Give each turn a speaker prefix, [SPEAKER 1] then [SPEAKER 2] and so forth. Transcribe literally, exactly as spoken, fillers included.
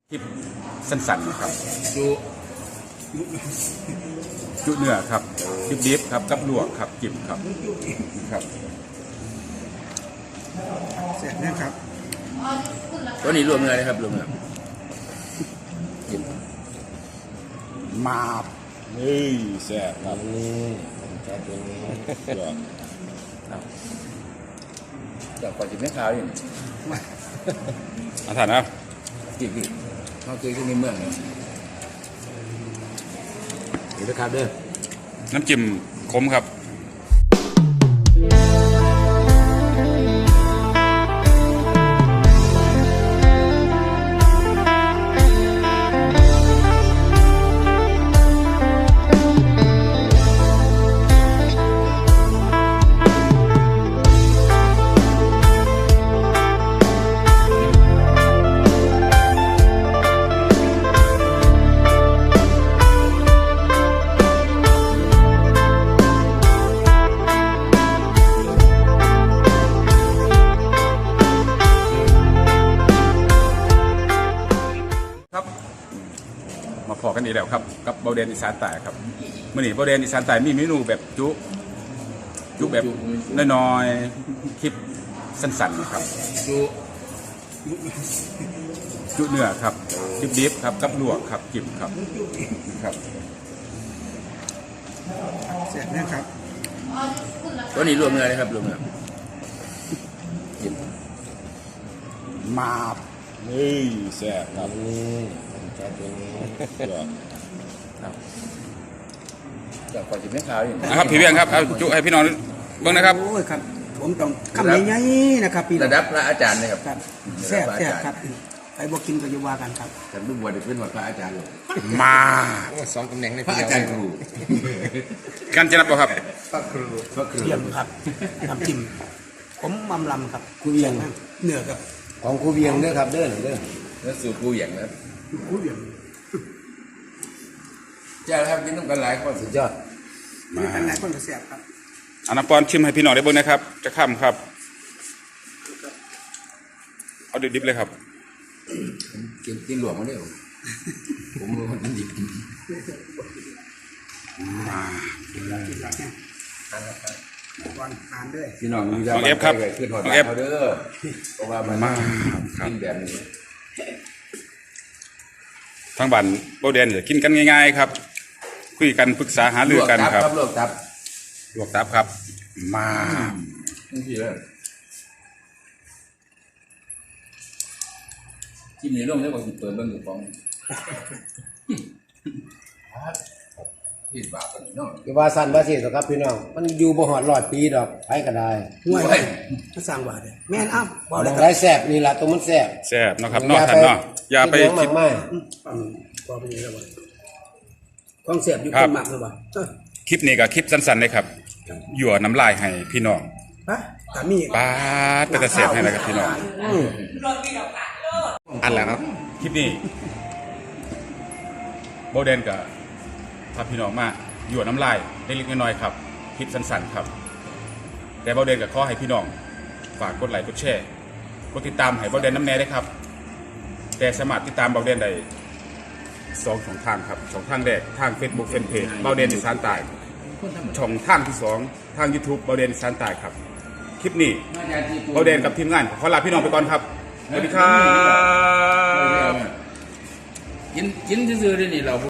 [SPEAKER 1] คลิปสั้นๆครับ
[SPEAKER 2] จุ
[SPEAKER 1] จุเนื้อครับดิบๆครับกับลวกครับจิ้มครับครับ
[SPEAKER 3] เสร็จนะครับ
[SPEAKER 2] ตัวนี้รวมเนื้อเลยครับรวมเนื้อจิ้ม
[SPEAKER 1] มาบเฮ้ยแซ่บครับ
[SPEAKER 2] นี่แซ่บตัวนี้ครับจากก่อนจิ้มแม่ขาวนี่
[SPEAKER 1] อาถรรพ์นะ
[SPEAKER 2] จิ้มดิเขาเคยที่ในเมืองนี่เดี๋ยวนะครับเด้อ
[SPEAKER 1] น้ำจิ้มขมครับมาพอกันอีกแล้วครับกับเบาเดนอีสานใต้ครับเมื่อนี้เบาเดนอีสานใต้มีเมนูแบบจุจุแบบน้อยๆคลิปสั้นๆครับ
[SPEAKER 2] จุ
[SPEAKER 1] จุเนื้อครับดิบๆครับกับลวกครับจิ้มครับครับ
[SPEAKER 3] เสร็จนะครับ
[SPEAKER 2] ตัวนี้รวมเนื้อเลยครับรวมเนื้อจิ้ม
[SPEAKER 1] มาบเฮ้ยแซ่บครับ
[SPEAKER 2] นี่แซ่บตัวนี้ครับจากก่อนจิ้มแม่ขาวนี่
[SPEAKER 1] นะครับพี่เบี้ยงครับเอาจุให้พี่น้องเบิ่งนะครับ
[SPEAKER 3] โอ้ยครับผมต้องคำใหญ่ๆนะครับพี่
[SPEAKER 2] ระดับพระอาจารย์เลยครับ
[SPEAKER 3] ครับแซ่บแซ่บครับไปบอกกินก็อยู่ว่ากันครับ
[SPEAKER 2] ฉันลูกบัวเด็กเป็นว่าพระอาจารย์เลย
[SPEAKER 1] มา
[SPEAKER 2] สองตำแหน่งในพระอาจารย์ครู
[SPEAKER 1] กันจะนับป่ะครับ
[SPEAKER 2] พระครูพระครู
[SPEAKER 3] เยี่ยมครับน้ำจิ้มผมมำลำครับกูเวียงเนื้อครับ
[SPEAKER 2] ของกูเวียงเด้อครับเด้อเด้อเนื้อสูตรกูเวียงนะ
[SPEAKER 3] กูเวียง
[SPEAKER 2] เจ้าครับกินน้ำกันหลายคนสุดยอด
[SPEAKER 3] มีกันหลายคนก็แซ่บครับ
[SPEAKER 1] อันน้ำปอนชิมให้พี่น้องได้เบิ่งนะครับจะข้ามครับเอาดิบๆเลยครับ
[SPEAKER 2] กินกินหลวงมาเนี่ยผมมันดิบ
[SPEAKER 1] มา
[SPEAKER 3] วันทานด้วย
[SPEAKER 2] พี่น้องมี
[SPEAKER 1] น้องเอฟครับน้องเอฟ
[SPEAKER 2] เด้อเพราะว่ามัน
[SPEAKER 1] มา
[SPEAKER 2] กินแบบนี้
[SPEAKER 1] ทางบ้านเบาเดนจะกินกันง่ายๆครับคุยกันปรึกษาหารือกันครับ
[SPEAKER 2] ลวกตับ
[SPEAKER 1] ลวกตับครับมา
[SPEAKER 2] นี่เลยจิ้มในร่มได้บอกเปิดเบิ้งอยู่ฟองพี่บาปกันน้อง
[SPEAKER 4] คือว่าสั้นว่าสิครับพี่น้องมันอยู่บ่หอดหลอดปีดอกไปก็ได้
[SPEAKER 3] ห่วยมาสร้างบาดเลยแม่นอ้าว
[SPEAKER 4] บ่ได้ได้แซ่บนี่ล่ะตัวมันแซ่บ
[SPEAKER 1] แซ่บเนาะครับนอกท่านเนาะอย่าไป
[SPEAKER 4] คิดมาก
[SPEAKER 3] พอไปนี่แล้วบ่ของแซ่บอยู่คนมากเลยบ่
[SPEAKER 1] คลิปนี้ก็คลิปสั้นๆเลยครับหยั่วน้ำลายให้พี่น้อง
[SPEAKER 3] ฮะตามี
[SPEAKER 1] ป้าเป็นแต่แซ่บให้อะไรกับพี่น้องอันแล้วครับคลิปนี้โบเดนกับพาพี่น้องมาหยั่วน้ำลายเล็กๆน้อยๆครับคลิปสั้นๆครับแต่โบเดนกับข้อให้พี่น้องฝากกดไลค์กดแชร์กดติดตามให้โบเดนน้ำแน่ได้ครับแต่สามารถติดตามโบเดนได้สองช่องทางครับช่องทางแรกทาง Facebook Fanpage โบเดนอีสานใต้ช่องทางที่สองทาง YouTube โบเดนอีสานใต้ครับคลิปนี้โบเดนกับทีมงานขอลาพี่น้องไปก่อนครับสวัสดีครับ
[SPEAKER 2] กินกินซื่อๆนี่เรา